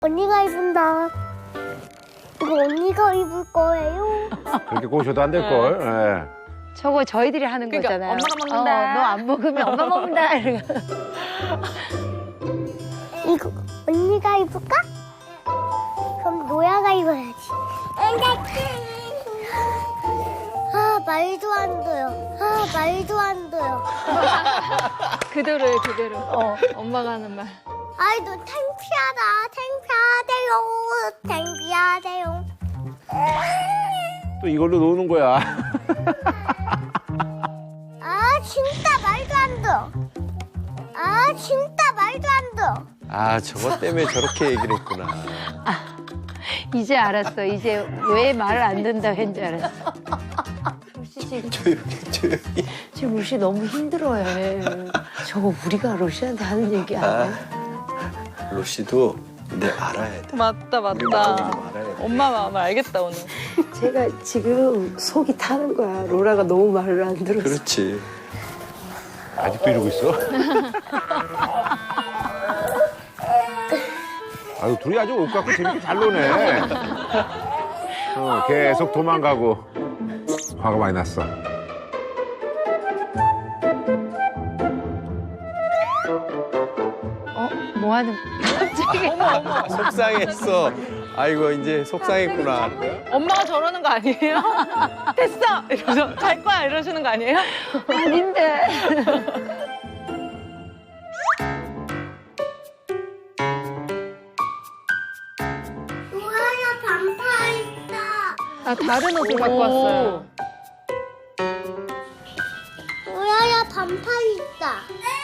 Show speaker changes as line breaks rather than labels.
언니가 입은다. 이거 언니가 입을 거예요.
그렇게 꼬셔도 안 될걸. 예.
저거 저희들이 하는
그러니까
거잖아요.
엄마가 먹는다.
너 안 먹으면 엄마 먹는다. 이러고.
이거 언니가 입을까? 그럼 노야가 입어야지. 아, 말도 안 돼요. 아, 말도 안 돼요.
그대로예요, 그대로. 엄마가 하는 말.
아이, 너 창피하다. 창피하대요.
또 이걸로 노는 거야.
아, 진짜 말도 안 돼. 아, 진짜 말도 안 돼.
아, 저것 때문에 저렇게 얘기를 했구나.
이제 알았어. 이제 왜 말을 안 듣는다고 했는 줄 알았어. 로시
조용히.
지금 로시 너무 힘들어해. 저거 우리가 로시한테 하는 얘기 아니야?
로시도 내 알아야 돼.
맞다,
우리 마음을 좀
맞다.
알아야 돼.
엄마 마음을 알겠다, 오늘.
제가 지금 속이 타는 거야. 로라가 너무 말을 안 들어서.
그렇지.
아직도 이러고 있어? 아유, 둘이 아주 옷 갖고 재밌게 잘 노네. 계속 도망가고. 화가 많이 났어.
뭐 하는 갑자기.
속상했어. 아이고, 이제 속상했구나.
엄마가 저러는 거 아니에요? 됐어! 이러면서 갈 거야 이러시는 거 아니에요?
아닌데.
노야야 반팔 있다.
아, 다른 옷을 갖고 왔어요.
노야야 반팔 있다.